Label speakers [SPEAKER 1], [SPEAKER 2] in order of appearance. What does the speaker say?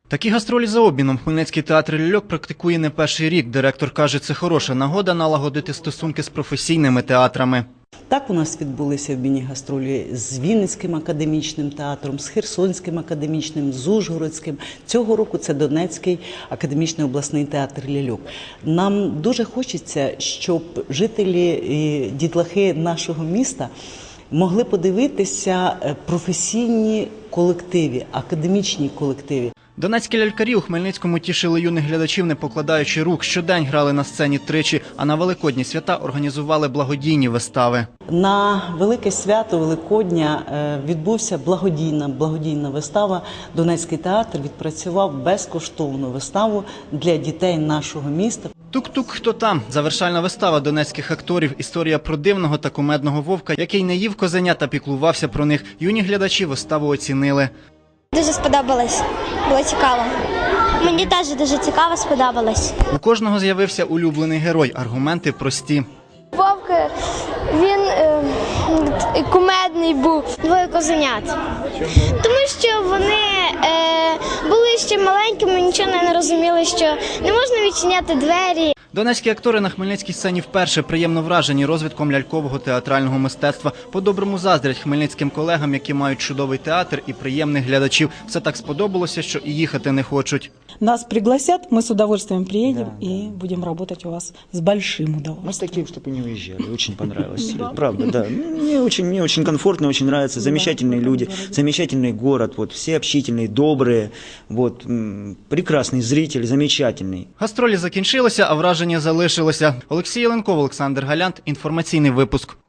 [SPEAKER 1] Такі гастролі за обміном Хмельницький театр ляльок практикує не перший рік. Директор каже, це хороша нагода налагодити стосунки з професійними театрами.
[SPEAKER 2] Так у нас відбулися в міні-гастролі з Вінницьким академічним театром, з Херсонським академічним, з Ужгородським. Цього року це Донецький академічний обласний театр ляльок. Нам дуже хочеться, щоб жителі і дітлахи нашого міста могли подивитися професійні колективи, академічні колективи.
[SPEAKER 1] Донецькі лялькарі у Хмельницькому тішили юних глядачів, не покладаючи рук. Щодень грали на сцені тричі, а на Великодні свята організували благодійні вистави.
[SPEAKER 2] На Велике свято Великодня відбувся благодійна вистава. Донецький театр відпрацював безкоштовну виставу для дітей нашого міста.
[SPEAKER 1] Тук-тук, хто там? Завершальна вистава донецьких акторів. Історія про дивного та кумедного вовка, який не їв козеня та піклувався про них. Юні глядачі виставу оцінили.
[SPEAKER 3] Дуже сподобалось, було цікаво. Мені теж дуже цікаво сподобалось.
[SPEAKER 1] У кожного з'явився улюблений герой. Аргументи прості.
[SPEAKER 3] Вовк, він кумедний був. Двоє козенят. Тому що вони були ще маленькими, нічого не розуміли, що не можна відчиняти двері.
[SPEAKER 1] Донецькі актори на хмельницькій сцені вперше приємно вражені розвитком лялькового театрального мистецтва. По-доброму заздрять хмельницьким колегам, які мають чудовий театр і приємних глядачів. Все так сподобалося, що і їхати не хочуть.
[SPEAKER 4] Нас пригласят, мы с удовольствием приедем и будем работать у вас с большим удовольствием.
[SPEAKER 5] Мы такие, чтобы не уезжали. Очень понравилось. Правда, да. Мне очень комфортно, очень нравится. Замечательные люди, замечательный город. Вот, все общительные, добрые. Вот, прекрасный зритель, замечательный.
[SPEAKER 1] Гастролі закінчилися, а враження залишилося. Олексій Єленков, Олександр Галянт. Інформаційний випуск.